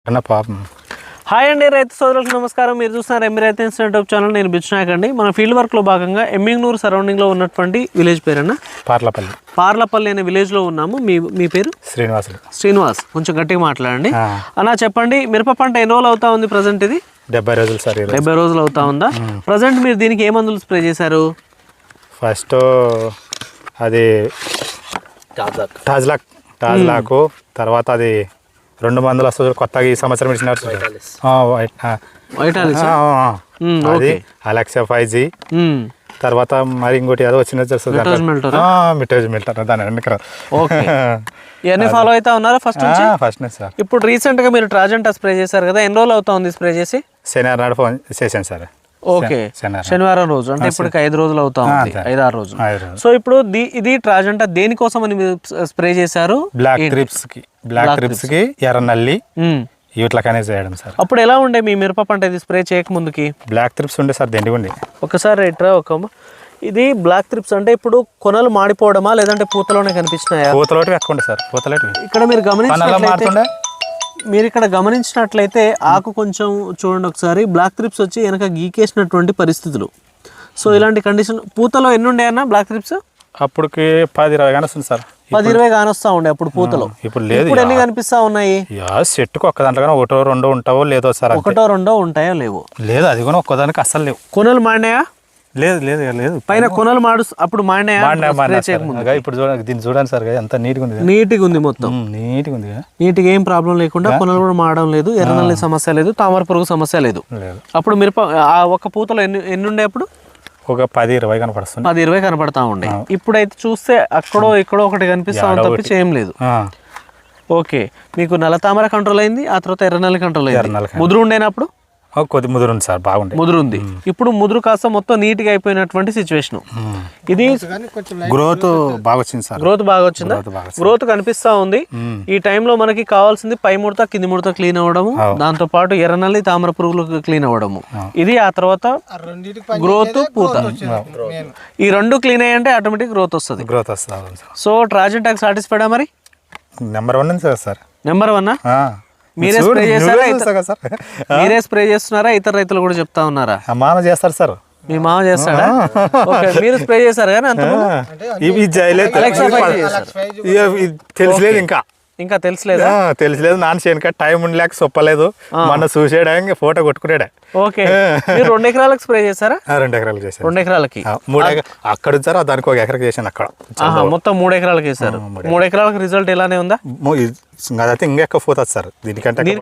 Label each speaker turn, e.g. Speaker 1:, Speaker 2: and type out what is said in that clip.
Speaker 1: అన్న పాపం.
Speaker 2: హాయ్ అండి, రైతు సోదరులకు నమస్కారం. మీరు చూస్తున్నారు ఎంబీ రైతు యూట్యూబ్ ఛానల్. నేను బిచ్చునాయక్ అండి. మన ఫీల్డ్ వర్క్లో భాగంగా ఎమ్మింగ్నూరు సరౌండింగ్లో ఉన్నటువంటి విలేజ్ పేరన్న పార్లపల్లి అనే విలేజ్లో ఉన్నాము. మీ పేరు? శ్రీనివాస్. కొంచెం గట్టిగా మాట్లాడండి అన్న. చెప్పండి, మిరప పంట ఎన్ని రోజులు అవుతా ఉంది ప్రజెంట్? ఇది
Speaker 1: 70 రోజులు సార్.
Speaker 2: 70 రోజులు అవుతా ఉందా? ప్రజెంట్ మీరు దీనికి ఏ మందులు స్ప్రే చేశారు?
Speaker 1: ఫస్ట్ అది టాజ్లాకు, తర్వాత అది 2 మందులు వస్తుంది కొత్తగా ఈ సంవత్సరం ఇచ్చినారు. అది అలెక్సా 5G, తర్వాత మరి ఇంకోటి ఏదో వచ్చింది మిల్టర్. దాని
Speaker 2: ఇవన్నీ ఫాలో అవుతా ఉన్నారా ఫస్ట్ నుంచి?
Speaker 1: ఫస్ట్ నుంచి సార్.
Speaker 2: ఇప్పుడు రీసెంట్ గా మీరు ట్రాజెంటా స్ప్రే చేశారు కదా, ఎన్ని రోజులు అవుతా ఉంది స్ప్రే చేసి?
Speaker 1: శనివారం నాడు ఫోన్ చేశాను సార్.
Speaker 2: ఓకే, శనివారం రోజు అంటే ఇప్పటికి 5 రోజులు అవుతా ఉంది, 5-6 రోజులు. సో ఇప్పుడు ఇది ట్రాజెంటా దేనికోసం అని మీరు స్ప్రే చేశారు?
Speaker 1: బ్లాక్ ట్రిప్స్ కి ఎర్ర నల్లి వీటికనే చేయడం సార్.
Speaker 2: అప్పుడు ఎలా ఉండే మీ మిరప పంట ఇది స్ప్రే చేయక ముందుకి?
Speaker 1: బ్లాక్ ట్రిప్స్ ఉండే సార్, దండిగా ఉండే.
Speaker 2: ఒకసారి ఇట్రా ఇది బ్లాక్ ట్రిప్స్ అంటే ఇప్పుడు కొనలు మాడిపోవడమా లేదంటే పూతలోనే కనిపించినాయా?
Speaker 1: పూతలోటి ఎక్కువ సార్. పూతలోటి
Speaker 2: ఇక్కడ మీరు ఇక్కడ గమనించినట్లయితే ఆకు కొంచెం చూడండి ఒకసారి, బ్లాక్ ట్రిప్స్ వచ్చి వెనక గీకేసినటువంటి పరిస్థితులు. సో ఇలాంటి కండిషన్ పూతలో ఎన్ని ఉండే అన్న బ్లాక్ ట్రిప్స్?
Speaker 1: అప్పటికి 10-20 కానీ వస్తుంది సార్.
Speaker 2: 10-20 కానీ వస్తా ఉండే అప్పుడు పూతలో.
Speaker 1: ఇప్పుడు లేదు.
Speaker 2: ఇప్పుడు ఎన్ని కనిపిస్తా ఉన్నాయి?
Speaker 1: చెట్టుకు ఒక్క దాంట్లో కానీ 1-2 ఉంటావో లేదో సార్.
Speaker 2: 1-2 ఉంటాయో లేవో?
Speaker 1: లేదు, అది కూడా ఒక్కదానికి అస్సలు లేవు.
Speaker 2: కొనలు మాడినాయా?
Speaker 1: లేదు
Speaker 2: పైన కొనలు అప్పుడు మాడినాయా?
Speaker 1: ఇప్పుడు దీన్ని చూడండి సార్, ఎంత నీట్గా ఉంది.
Speaker 2: నీట్గా ఉంది, మొత్తం
Speaker 1: నీట్గా ఉంది.
Speaker 2: నీట్గా ఏం ప్రాబ్లం లేకుండా, కొనలు కూడా మాడడం లేదు, ఎర్రనల్లి సమస్య లేదు, తామర పురుగు సమస్య లేదు. అప్పుడు మిరప ఒక పూతలో ఎన్ని ఉండే అప్పుడు?
Speaker 1: ఒక 10-20 కనపడుతుంది.
Speaker 2: 10-20 కనపడతా ఉండే. ఇప్పుడైతే చూస్తే అక్కడో ఇక్కడో ఒకటి కనిపిస్తా ఉంది తప్పించి ఏం లేదు. ఓకే, మీకు నల్ల తామర కంట్రోల్ అయింది, ఆ తర్వాత ఎర్రనల్లి కంట్రోల్ అయింది. ముదురు ఉండేనప్పుడు?
Speaker 1: కొద్ది ముదురు ఉంది సార్, బాగుంది.
Speaker 2: ముదురు ఉంది. ఇప్పుడు ముదురు కాస్త మొత్తం నీట్ గా అయిపోయినటువంటి సిచ్యువేషన్. ఇది
Speaker 1: గ్రోత్ బాగా వచ్చింది సార్.
Speaker 2: గ్రోత్ బాగా వచ్చిందా? గ్రోత్ కనిపిస్తా ఉంది. ఈ టైంలో మనకి కావాల్సింది పై ముడత కింది ముడత క్లీన్ అవ్వడము, దాంతో పాటు ఎర్రనల్లి తామర పురుగులు క్లీన్ అవ్వడము. ఇది ఆ తర్వాత గ్రోత్, పూత. ఈ 2 క్లీన్ అయ్యంటే ఆటోమేటిక్ గ్రోత్ వస్తుంది. సో ట్రాజెంటాకి సాటిస్ఫైడా మరి?
Speaker 1: Number 1 sir.
Speaker 2: నెంబర్ 1. మీరే స్ప్రే చేస్తారా? మీరే స్ప్రే చేస్తున్నారా? ఇతర రైతులు కూడా చెప్తా ఉన్నారా?
Speaker 1: మామ చేస్తారు సార్.
Speaker 2: మీ మామ చేస్తాడా? మీరు స్ప్రే చేశారు కానీ అంత
Speaker 1: తెలియలేదు,
Speaker 2: ఇంకా తెలిసలేదు.
Speaker 1: నాన్న చేయక టైం ఉండలేక చెప్పలేదు. మొన్న చూసేయడానికి ఫోటో కొట్టుకునేడా.
Speaker 2: ఓకే, మీరు 2 ఎకరాలకు స్ప్రే చేశారా?
Speaker 1: 2 ఎకరాలకు చేశారు.
Speaker 2: 2 ఎకరాలకి
Speaker 1: 3 అక్కడ ఇచ్చారు, దానికి 1 ఎకరాకి చేశాను అక్కడ.
Speaker 2: మొత్తం 3 ఎకరాలకు వేశారు. 3 ఎకరాలకు రిజల్ట్ ఎలానే ఉందా?
Speaker 1: అదైతే ఇంకా ఎక్కువ పోతుంది సార్ దీనికంటే.